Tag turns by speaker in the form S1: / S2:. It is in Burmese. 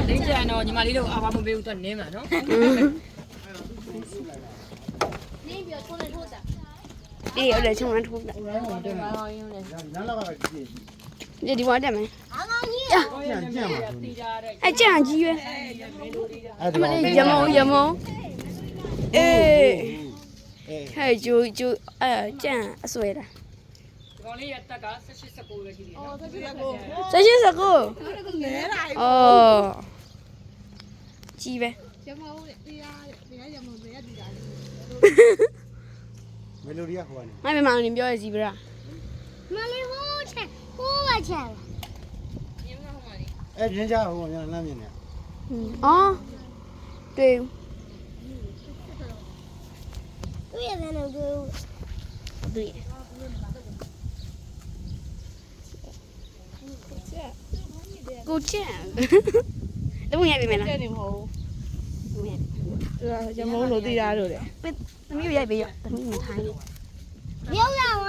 S1: လိမ့်ချန်တော့ညီမလေးတို့အာဘာမပေးဘူးသူနင်းမှာနော်နင်းပြီးတော့ထုံးနေထိုးတာ
S2: အေးအဲ့ဒါချုံရထိုးတာဒီဘွားတက်မယ်အဲ့ကြံကြီးရွယ်အမလေးရမုံအေးဟဲ့ဂျိုအဲ့ကြံအဆွဲတာ
S1: ဒီကောင်လေးရဲ့တက်က18 19ပဲရှိသေးတယ်နော်
S2: 19လဲလာအော်ကြီးပဲ
S3: ရမုံတရားရမုံတွေရတူတာ
S4: မယ်လိုဒီကဟိုကနေ
S2: မမေမောင်နေပြောရစီဗရာ
S3: မလေးဟိုးချက်ဟိုးပါချက်
S4: အဲ့ပြင်းကြဟိုကလမ်းမြင်နေ
S2: အော်တွေ့
S3: တွေ့ရတယ်လို့
S2: တွေ့ကိုချင်တော့ရပြီမလား
S3: ချက်နေမဟုတ်
S2: ဘူး
S3: ရမုံလို့တရားလို့လေ
S2: သမီးရိုက်ပေးရသမီးမထိုင်း
S3: ရုပ်ရ